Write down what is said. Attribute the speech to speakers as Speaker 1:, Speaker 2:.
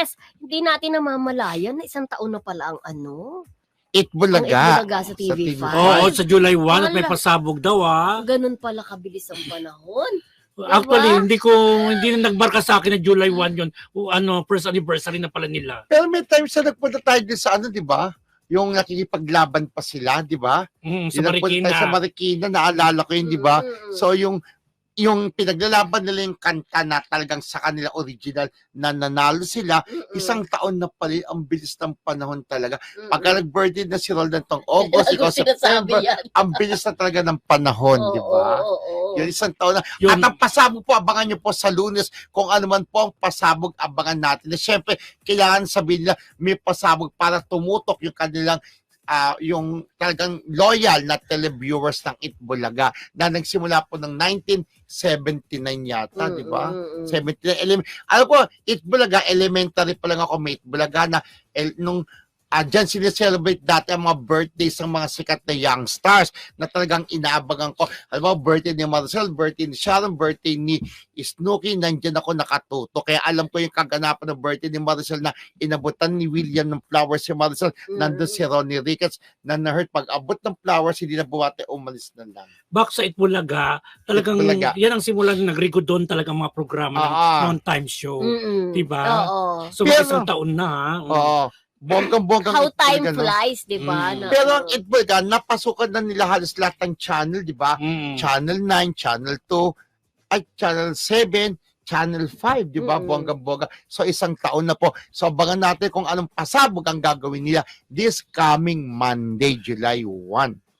Speaker 1: Yes, hindi natin namamalayan na isang taon na pala ang ano.
Speaker 2: Itbulaga.
Speaker 1: Ang Itbulaga sa TV5.
Speaker 3: Oo, sa July 1 at may
Speaker 1: Wala.
Speaker 3: pasabog daw
Speaker 1: Ganun pala kabilis ang panahon.
Speaker 3: Actually,
Speaker 1: Diba?
Speaker 3: hindi na nagbarka sa akin na July 1 yun. First anniversary na pala nila.
Speaker 2: Pero may times na nagpunta tayo din sa ano, di ba? Yung nakikipaglaban pa sila, di ba?
Speaker 3: Sa
Speaker 2: Yung nagpunta
Speaker 3: Marikina.
Speaker 2: tayo sa Marikina, naalala ko yun, di ba?
Speaker 1: Mm.
Speaker 2: So yung pinaglalaban nila yung kanta na talagang sa kanila original na nanalo sila, isang taon na pala, ang bilis ng panahon talaga. Pagka nag-birthday na si Roldan tong August, ikaw September, ang bilis na talaga ng panahon, di ba? Yun, isang taon na.
Speaker 3: Yun.
Speaker 2: At ang pasabog po, abangan nyo po sa Lunes, kung ano man po ang pasabog, abangan natin. Siyempre, kailangan sabihin nila, may pasabog para tumutok yung kanilang yung talagang loyal na televiewers ng Itbulaga na nagsimula po ng 1979 yata, di ba? 79. Alam ko, Itbulaga, elementary pa lang ako, may Itbulaga na nung dyan sineselebrate dati ang mga birthdays ng mga sikat na young stars na talagang inaabangan ko. Alam mo, birthday ni Maricel, birthday ni Sharon, birthday ni Snooki, nandyan ako nakatuto. Kaya alam ko yung kaganapan ng birthday ni Maricel na inabutan ni William ng flowers si Maricel. Nandun si Ronnie Ricketts na na-hurt. Pag abot ng flowers, hindi na buwate, umalis na lang.
Speaker 3: Back sa Itbulaga, talagang
Speaker 2: Itbulaga.
Speaker 3: yan ang simulan ng nag-record doon talagang mga programa ng non-time show. Diba?
Speaker 1: Oo.
Speaker 3: So,
Speaker 2: Pero-
Speaker 3: isang taon na.
Speaker 2: Oo. Bonggang-bonggang
Speaker 1: How time
Speaker 2: Itbulaga, no?
Speaker 1: flies, di ba?
Speaker 3: Mm.
Speaker 2: Pero ang Itbulaga, napasukan na nila halos lahat ng channel, di ba? Channel 9, Channel 2, ay Channel 7, Channel 5, di ba? Bonggang-bongga. So isang taon na po. So abangan natin kung anong pasabog ang gagawin nila this coming Monday, July 1.